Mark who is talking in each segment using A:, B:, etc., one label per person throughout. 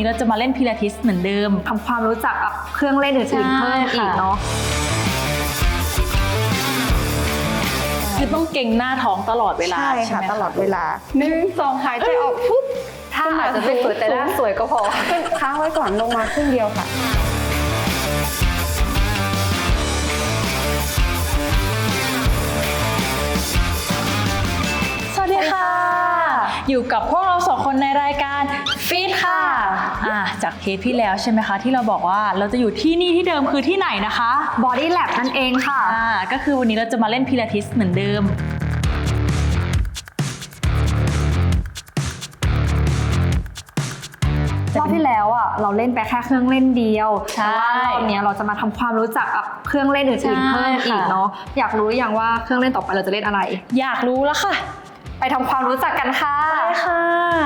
A: เราจะมาเล่นพิลาทิสเหมือนเดิม
B: ทำความรู้จักกับเครื่องเล่นอื่นๆเพิ่มอีกเนาะ
A: คือต้องเก่งหน้าท้องตลอดเวลา
B: ใช่ค่ะตลอดเวลา1 2หายใจออกปุ๊บถ้าอาจจะไม่สวยแต่หน้าสวยก็พอขึ้นค้างไว้ก่อนลงมาครึ่งเดียวค่ะ
A: สวัสดีค่ะอยู่กับพวกเรา2 คนในรายการฟิตค่ะจากเทปที่แล้วใช่ไหมคะที่เราบอกว่าเราจะอยู่ที่นี่ที่เดิมคือที่ไหนนะคะ
B: Body Lab นั่นเองค่ะ
A: ก็คือวันนี้เราจะมาเล่นพิลาทิสเหมือนเดิม
B: รอบที่แล้วเราเล่นไปแค่เครื่องเล่นเดียวแต่ว่ารอบนี้เราจะมาทำความรู้จักกับเครื่องเล่นอื่นๆเพิ่มอีกเนาะอยากรู้อย่างว่าเครื่องเล่นต่อไปเราจะเล่นอะไร
A: อยากรู้แล้วค่ะ
B: ไปทำความรู้จักกันค่ะ
A: ไปค่ะ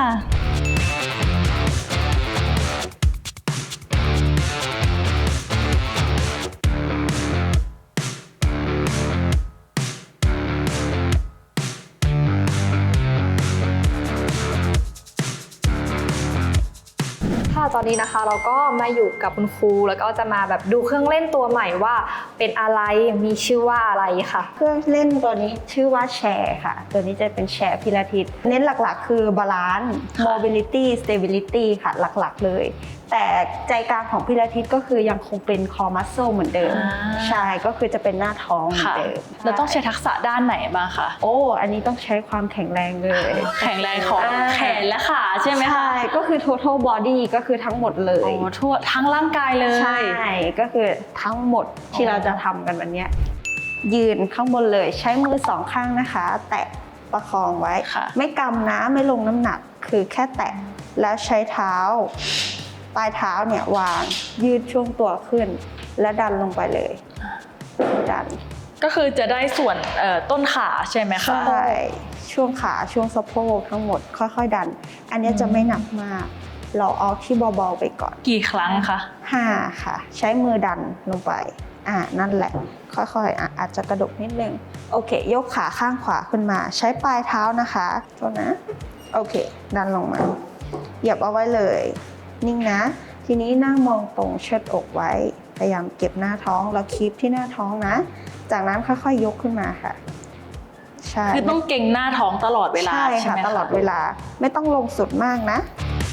B: ตอนนี้นะคะเราก็มาอยู่กับคุณครูแล้วก็จะมาแบบดูเครื่องเล่นตัวใหม่ว่าเป็นอะไรมีชื่อว่าอะไรค่ะ
C: เครื่องเล่นตัวนี้ชื่อว่าแชร์ค่ะตัวนี้จะเป็นแชร์พิลาทิสเน้นหลักๆคือบาลานซ์ mobility stability ค่ะหลักๆเลยแต่ใจกลางของพิลาทิสก็คือยังคงเป็น core muscle เหมือนเดิมใช่ก็คือจะเป็นหน้าท้องเหมือนเดิม
A: เราต้องใช้ทักษะด้านไหนบ้างคะ
C: อันนี้ต้องใช้ความแข็งแรงเลย
A: แข็งแรงของแขนและขาใช่ไหมคะ
C: ใช่ก็คือ total body ก็คือทั้งหมดเลย
A: ทั่วทั้งร่างกายเลย
C: ใช่ก็คือทั้งหมดที่เราจะทำกันวันนี้ยืนข้างบนเลยใช้มือ2 ข้างนะคะแตะประคองไว้ไม่กำนะไม่ลงน้ำหนักคือแค่แตะแล้วใช้เท้าปลายเท้าเนี่ยวางยืดช่วงตัวขึ้นและดันลงไปเลยดัน
A: ก็คือจะได้ส่วนต้นขาใช่ไหมคะ
C: ใช่ช่วงขาช่วงสะโพกทั้งหมดค่อยๆดันอันนี้จะไม่หนักมากเราเอาที่เบาๆไปก่อน
A: กี่ครั้งคะ
C: 5ค่ะใช้มือดันลงไปนั่นแหละค่อยๆอาจจะกระดกนิดนึงโอเคยกขาข้างขวาขึ้นมาใช้ปลายเท้านะคะโทษนะโอเคดันลงมาเหยียบเอาไว้เลยนิ่งนะทีนี้นั่งมองตรงเชิดอกไว้พยายามเก็บหน้าท้องแล้วคีปที่หน้าท้องนะจากนั้นค่อยๆยกขึ้นมาค่ะ
A: ใช่คือต้องเก่งหน้าท้องตลอดเวลา
C: ใช่ค่ะตลอดเวลาไม่ต้องลงสุดมากนะ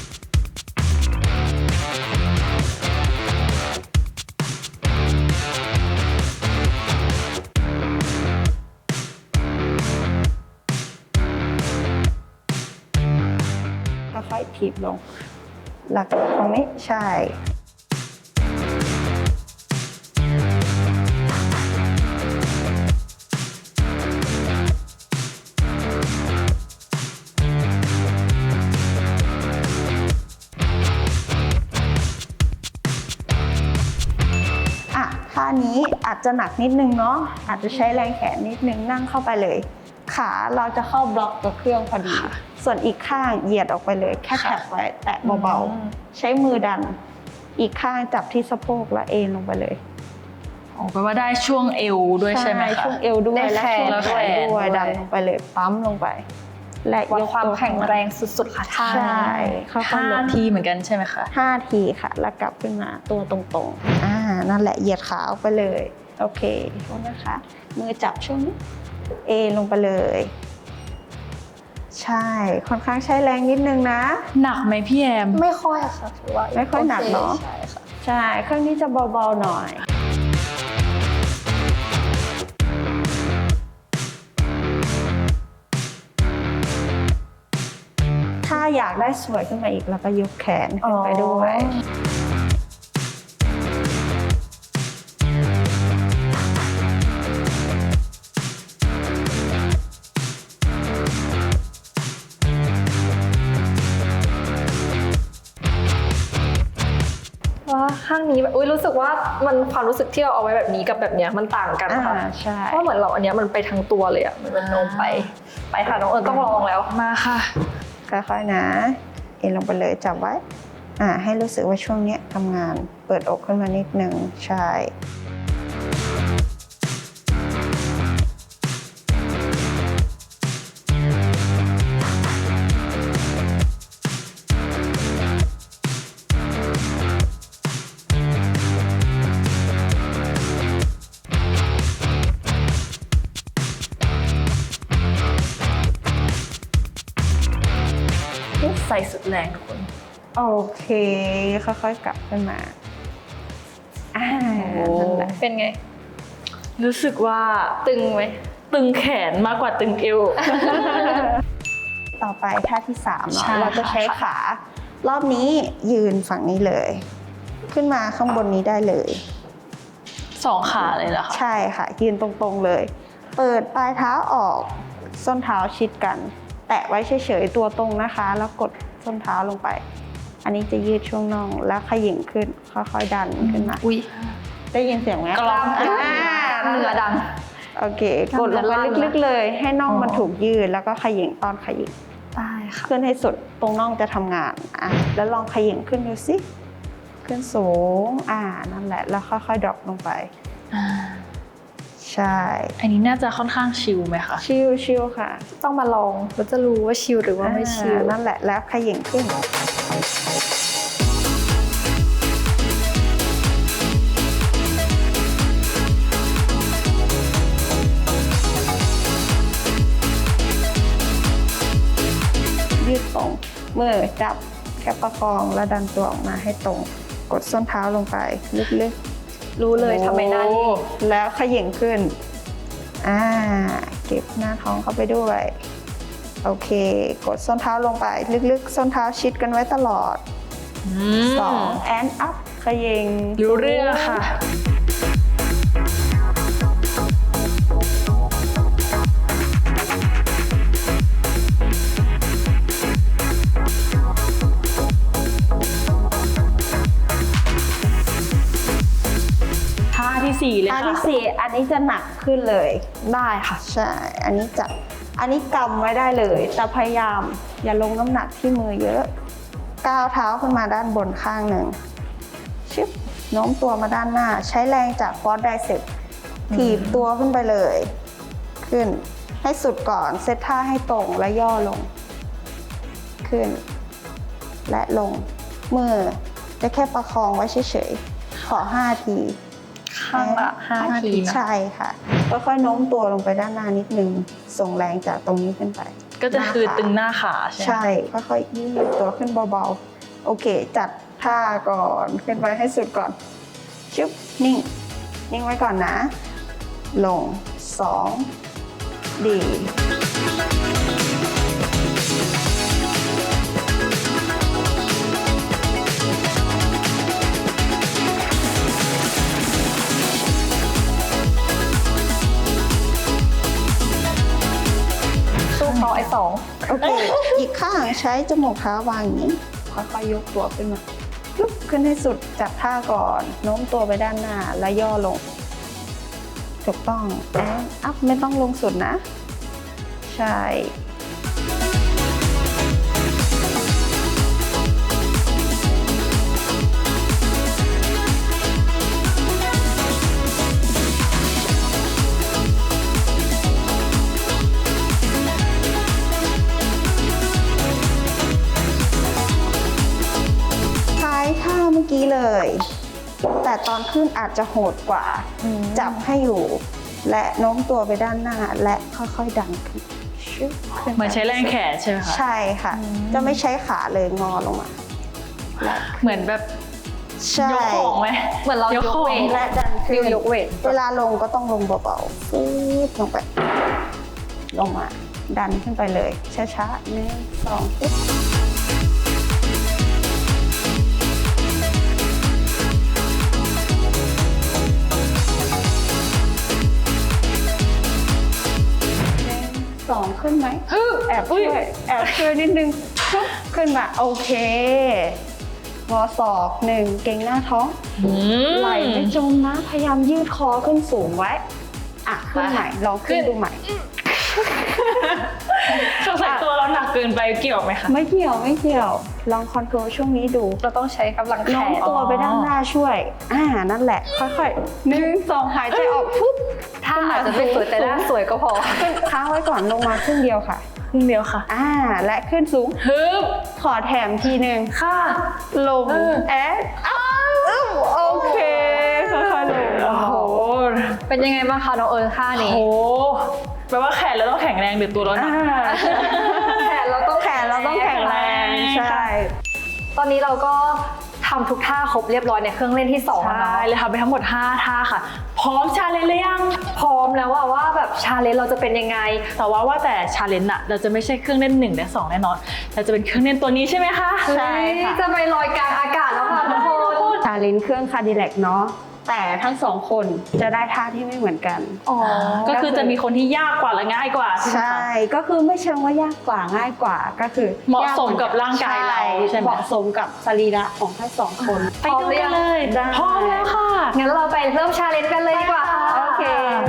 C: ค่อยๆถีบลงหลักตรงนี้ใช่ท่านี้อาจจะหนักนิดนึงเนาะอาจจะใช้แรงแขนนิดนึงนั่งเข้าไปเลยขาเราจะเข้าบล็อกกับเครื่องพอดีส่วนอีกข้างเหยียดออกไปเลยแค่แตะไว้แตะเบาๆใช้มือดันอีกข้างจับที่สะโพกแล้วเอ็นลงไปเลย
A: แปลว่าได้ช่วงเอวด้วยใช่ไหมคะ
C: ช่วงเอวด้วยและช่วงแขนด้วยดันลงไปเลยปั๊มลงไป
B: และยกความแข็งแรงสุดๆค่ะ
C: ใช่
A: 5 ทีเหมือนกันใช่ไหมคะ
C: 5 ทีค่ะแล้วกลับขึ้นมาตัวตรงๆนั่นแหละเหยียดขาออกไปเลยโอเคโทษนะคะมือจับช่วงนี้เอลงไปเลยใช่ค่อนข้างใช้แรงนิดนึงนะ
A: หนักไหมพี่แอม
B: ไม่ค่อยค่ะถือว่า
C: ไม่ค่อยหนักเนาะ
B: ใช่ค่ะ
C: ใช่เครื่องนี้จะเบาๆหน่อยถ้าอยากได้สวยขึ้นมาอีกแล้วก็ยกแขนขึ้นไปด้วย
B: ข้างนี้แบบรู้สึกว่ามันความรู้สึกที่เราเอาไว้แบบนี้กับแบบเนี้ยมันต่างกันค่ะ
C: ใช่
B: เพราะเหมือนเราอันเนี้ยมันไปทั้งตัวเลยมันโน้มไปค่ะน้องเอิญต้องลองแล้ว
A: มาค่ะ
C: ค่อยๆนะเอ็นลงไปเลยจับไว้ให้รู้สึกว่าช่วงนี้ทำงานเปิดอกขึ้นมานิดนึงใช่
A: ใส่สุดแรงทุกคน
C: โอเคค่อยๆกลับขึ้นมานั่นแหละ
B: เป็นไง
A: รู้สึกว่า
B: ตึงไหม
A: ตึงแขนมากกว่าตึงเอว
C: ต่อไปท่าที่3
A: ใช่
C: เนาะเราจะใช้ขารอบนี้ยืนฝั่งนี้เลย ขึ้นมาข้างบนนี้ได้เลย
A: 2 ขาเลยเหรอคะ
C: ใช่ค่ะยืนตรงๆเลย เปิดปลายเท้าออกส้นเท้าชิดกัน แตะไว้เฉยๆตัวตรงนะคะ แล้วกดส้นเท้าลงไป อันนี้จะยืดช่วงน่องแล้วขยิ่งขึ้นค่อยๆดันขึ้นมา
B: อุ้ย
C: ได้ยินเสียงไหม
A: กล้าม
B: เหนือดัง
C: โอเคกดลงไปลึกๆเลย ให้น่องมันถูกยืดแล้วก็ขยิ่งตอนขยิ่ง
B: ได้ค่ะ
C: ขึ้นให้สุดตรงน่องจะทำงานแล้วลองขยิ่งขึ้นดูสิขึ้นสูงนั่นแหละแล้วค่อยๆดรอปลงไป
A: อ่า
C: ใช่
A: อันนี้น่าจะค่อนข้างชิลไหมคะ
C: ชิลค่ะ
B: ต้องมาลองเราจะรู้ว่าชิลหรือว่าไม่ชิล
C: นั่นแหละแล้วขยิ่งขึ้นยืดตรงมือจับแค่ประคองแล้วดันตัวออกมาให้ตรงกดส้นเท้าลงไปลึกๆ
B: รู้เลยทำไมหน้านี้
C: แล้วขย่งขึ้นเก็บหน้าท้องเข้าไปด้วย โอเค กดส้นเท้าลงไป ลึกๆ ส้นเท้าชิดกันไว้ตลอด 2 and up ขย่ง
A: รู้เรื่องค่ะ ท่าที่ 4 เลย
C: อัน
A: ค่ะ
C: ที่ 4 อันนี้จะหนักขึ้นเลย
B: ได้ค่ะ
C: ใช่ อันนี้กำไว้ได้เลยแต่พยายามอย่าลงน้ำหนักที่มือเยอะก้าวเท้าขึ้นมาด้านบนข้างหนึ่งชึบโน้มตัวมาด้านหน้า ใช้แรงจากฟอสไดเซปถีบตัวขึ้นไปเลย ขึ้นให้สุดก่อนเซตท่าให้ตรงและย่อลง ขึ้น และลงมือจะแค่ประคองไว้เฉยๆขอ5 ที
B: ข้างละ5 ทีนะ
C: ใช่ค่ะค่อยๆโน้มตัวลงไปด้านหน้านิดนึงส่งแรงจากตรงนี้ขึ้นไป
A: ก็จะคือ
C: หน้าขา
A: ตึงหน้าขาใช่ไหม
C: ใช่ค่อยๆยืดตัวขึ้นเบาๆโอเค จัดท่าก่อนขึ้นไปให้สุดก่อนชึบนิ่งไว้ก่อนนะ ลง2ดี
B: สู้เขาไอ้
C: โอเค อีกข้างใช้จมูกเท้าวางอย่างนี้ค่อยๆยกตัวขึ้นมาลุกขึ้นให้สุดจับท่าก่อนโน้มตัวไปด้านหน้าและย่อลงถูกต้องอัพไม่ต้องลงสุดนะ ใช่ ใช้ท่าเมื่อกี้เลย แต่ตอนขึ้นอาจจะโหดกว่า จับให้อยู่ และโน้มตัวไปด้านหน้าและค่อยๆดันขึ้นชึบขึ้น
A: เหมือนใช้แรงแขนใช่ไหมคะ
C: ใช่ค่ะ จะไม่ใช้ขาเลยงอลงมาและ
A: เหมือนแบบ
C: ใช่
A: ยกของไหม
B: เหมือนเรายก
A: ของ
B: เวท
C: และดันขึ้น
B: ยกเวท
C: เวลาลงก็ต้องลงเบาๆฟืดลงไป ลงมา ดันขึ้นไปเลย ช้าๆ1 2ปึ๊บ2ขึ้นไหมแอบช่วยนิดนึงปึ๊บขึ้นมาโอเคงอศอก1เก่งหน้าท้อง ไหลไม่จมนะพยายามยืดคอขึ้นสูงไว้ขึ้นใหม่ลองขึ้นดูใหม่
A: สงสัยตัวเราหนักเกินไปเกี่ยวไหมคะ
C: ไม่เกี่ยวลองคอนโทรลช่วงนี้ดู
B: เราต้องใช้กำลังแข
C: โน้ม
B: น
C: ตัวไปด้านหน้าช่วยนั่นแหละค่อยๆ1 2หายใจออกปุ๊บ
B: ถ้าอาจจะไม่สวยแต่หน้าสวยก็พอ
C: ขึ้นค้างไว้ก่อนลงมาครึ่งเดียวค่ะ
A: ครึ่งเดียวค่ะ
C: และขึ้นสูง
A: ฮึบ
C: ขอแถมทีหนึ่ง
A: ค่ะ
C: ลงโอเคค่อยๆลง
A: โอ้โห
B: เป็นยังไงบ้างคะน้องเอิญท่านี้
A: โอ้โหแปลว่าแขนเราต้องแข็งแรงหรือตัวเราหนัก
B: แขนเราต้อง
C: แขนเราต้องแข็งแรง ใช่
B: ตอนนี้เราก็ทำทุกท่าครบเรียบร้อยในเครื่องเล่นที่2แล้วเนาะ
A: ใช่เลยทำไปทั้งหมด5ท่าค่ะพร้อมชาเลนจ์หรือยัง
B: พร้อมแล้วว่าแบบชาเลนจ์เราจะเป็นยังไง
A: แต่ว่าแต่ชาเลนจ์อะเราจะไม่ใช่เครื่องเล่น1และ2แน่นอนเราจะเป็นเครื่องเล่นตัวนี้ใช่ไหมคะ
C: ใช่ค่ะ
B: จะไปลอยกลางอากาศแล้วค่ะทุกคน
C: ชาเลนจ์เครื่องคาร์ดิแลกเนาะแต่ทั้งสองคนจะได้ท่าที่ไม่เหมือนกัน
B: อ๋อ
A: ก็คือจะมีคนที่ยากกว่าและง่ายกว่าใช่ไหม
C: ใช่
A: คะ
C: ก็คือไม่เชิงว่ายากกว่าง่ายกว่าก็คือ
A: เหมาะสมกับร่างกายเราใช่ไหม
C: เหมาะสมกับสรีระของทั้งสองคน
A: ไปดูกันเลย
C: ได้
A: พร้อมแล้วค่ะ
B: งั้นเราไปเริ่มชาเลนจ์กันเลยดีกว่า
C: โอเค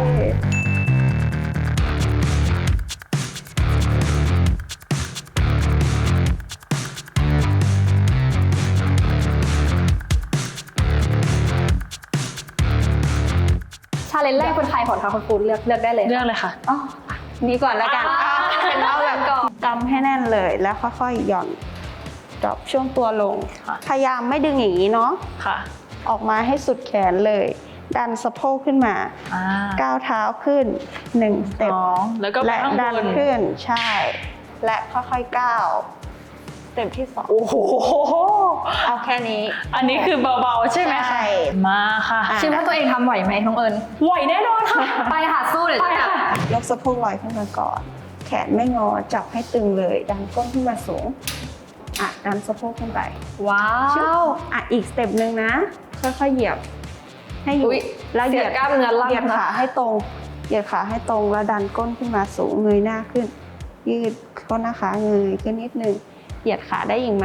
B: ชาเลนจ์แรกเป็นใครก่อนคะคุณครูเลือกได้เลย
A: เรื่องเลยค่ะ
C: อ๋อนี่ก่อนแล้วกัน
B: เป็นเอาแบบก่อน
C: กำให้แน่นเลยแล้วค่อยๆหย่อนดรอปช่วงตัวลง
A: ค่ะ
C: พยายามไม่ดึงอย่างนี้เนาะ
A: ค่ะ
C: ออกมาให้สุดแขนเลย ดันสะโพกขึ้นมา ก้าวเท้าขึ้น1สเต็ป
A: แล้วก็ไป
C: และ
A: ข้าง
C: ดัน
A: บน
C: ขึ้นใช่ และค่อยๆก้าวสเต็ปที่2
A: โอ้โห
C: เอาแค่นี้
A: อันนี้คือเบาๆใช่ไหม
C: ใช่
A: คะมาค่ะ
C: อ่ะ
B: คิดว่าตัวเองทำไหวไหมน้องเอิญ
A: ไหวแน่นอนค่ะ
B: ไปค่ะสู้เดี๋ยว
A: ไป
B: จะ
A: ค่ะ
C: ยกสะโพกลอยขึ้นมาก่อน แขนไม่งอจับให้ตึงเลย ดันก้นขึ้นมาสูงดันสะโพกขึ้นไป
B: ว้าว
C: อีกสเต็ปหนึ่งนะ ค่อยๆเหยียบให้อยู่
B: อุ๊ย
C: แล้วเหยียด
B: เสียกล้ามเนื้อล่าง
C: เหยียด
B: นะ
C: ขาให้ตรงเหยียดขาให้ตรงแล้วดันก้นขึ้นมาสูงเงยหน้าขึ้น ยืดก้นนะคะเงยขึ้นนิดนึงเหยียดขาได้อีกไหม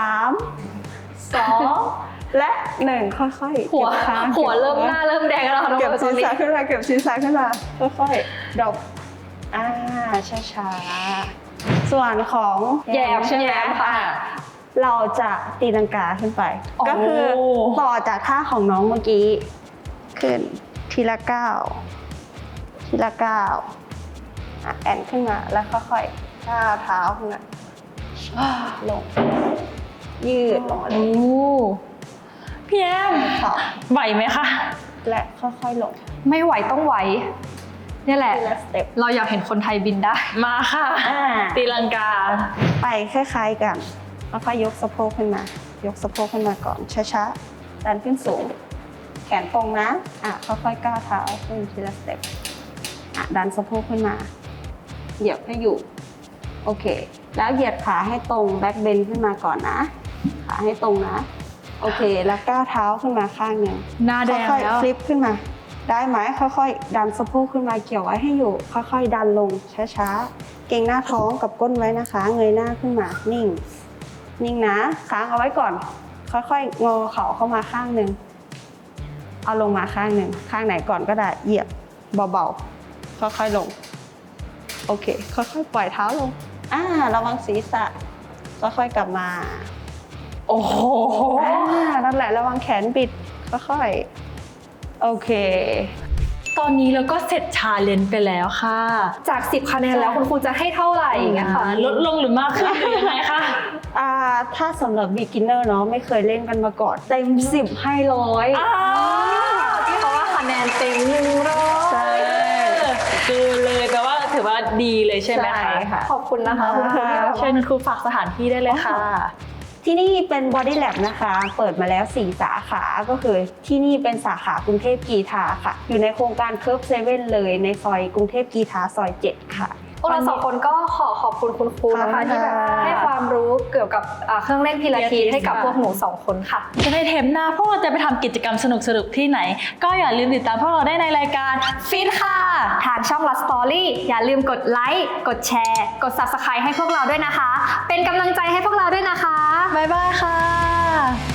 C: 3 2 และ 1ค่อยๆ
B: หัว
C: เก็บขา
B: หัวเริ่มหน้าเริ่มแดงแล้วค่ะน้อง
C: เก็บ
B: เอิญต
C: ศี
B: อ
C: ร
B: นนี้
C: ษะขึ้นมาเก็บศีรษะขึ้นมาค่อยๆดรอปช้าๆส่วนของ
B: แยมใช่ไหม
C: แยม
B: ค่ะ
C: เราจะตีลังกาขึ้นไป
B: โอ้
C: ก็คือต่อจากท่าของน้องเมื่อกี้ ขึ้นทีละก้าวทีละก้าวแอนขึ้นมาแล้วค่อยๆก้าวเท้าขึ้นมาลง ยืดลงมาเล
A: โอ้
C: ย
A: พี่แอม
C: ค่ะ
A: ไหวไหมคะ
C: และค่อยๆลง
B: ไม่ไหวต้องไหวเนี่ยแหละ
C: ทีละสเต็ป
B: เราอยากเห็นคนไทยบินได้
A: มาค่ะ
C: อ่า
A: ตีลังกา
C: ไปคล้ายๆกันแล้วค่อยยกสะโพกขึ้นมา ยกสะโพกขึ้นมาก่อนช้าๆดันขึ้นสูง แขนตรงนะค่อยๆก้าวเท้าขึ้นทีละสเต็ปดันสะโพกขึ้นมา เหยียบให้อยู่ โอเค แล้วเหยียดขาให้ตรงแบ็คเบนขึ้นมาก่อนนะ ขาให้ตรงนะ โอเค แล้วก้าวเท้าขึ้นมาข้างหนึ่ง
A: หน้าแดง
C: ค่อย
A: แล้ว
C: ๆฟลิปขึ้นมา ได้ไหมค่อยๆ ดันสะโพกขึ้นมาเกี่ยวไว้ให้อยู่ ค่อยๆ ดันลงช้าๆ เกร็งหน้าท้องกับก้นไว้นะคะ เงยหน้าขึ้นมา นิ่ง นิ่งนะ ค้างเอาไว้ก่อน ค่อยๆ งอเข่าเข้ามาข้างหนึ่ง เอาลงมาข้างหนึ่ง ข้างไหนก่อนก็ได้ เหยียบเบาๆ ค่อยๆ ลง โอเค ค่อยๆ ปล่อยเท้าลง ระวังศีรษะ ค่อยๆ กลับมา
A: โอ้โห
C: นั่นแหละ ระวังแขนบิด ค่อยๆ โอเค
A: ตอนนี้เราก็เสร็จชาเลนจ์ไปแล้วค่ะ
B: จาก 10 คะแนนแล้วคุณครูจะให้เท่าไหร่อย่างเงี้ยค่ะ
A: ลดลงหรือมากขึ้นหรือยังไงคะ
C: ถ้าสำหรับ beginner เนาะไม่เคยเล่นกันมาก่อน เต็ม 10 ให้100
B: ที่เขาว่าคะแนนเต็ม100
C: ใช่
A: คือเลยแปลว่าถือว่าดีเลยใช่ไหม
C: ใช่
A: คะ
C: ค่ะ
B: ขอบคุณนะคะคุณครูที่แบบ
A: เชิญคุณครูฝากสถานที่ได้เลยค่ะ
C: ที่นี่เป็น Body Lab นะคะ เปิดมาแล้ว 4 สาขา ก็คือที่นี่เป็นสาขากรุงเทพกีฬาค่ะ อยู่ในโครงการ Curve 7 เลยในซอยกรุงเทพกีฬาซอย 7 ค่ะ
B: พวกเราสองคนก็ขอบคุณคุณครูนะคะ
C: ค่ะ
B: ที่แบบให้ความรู้เกี่ยวกับเครื่องเล่นพิลาทิสให้กับพวกหนูสองคนค่ะ
A: จะในเทปหน้าพวกเราจะไปทำกิจกรรมสนุกๆที่ไหน ก็อย่าลืมติดตามพวกเราได้ในรายการฟิตค่ะ
B: ทางช่อง Last Story อย่าลืมกดไลค์กดแชร์กด Subscribe ให้พวกเราด้วยนะคะ เป็นกำลังใจให้พวกเราด้วยนะคะ
A: บ๊ายบายค่ะ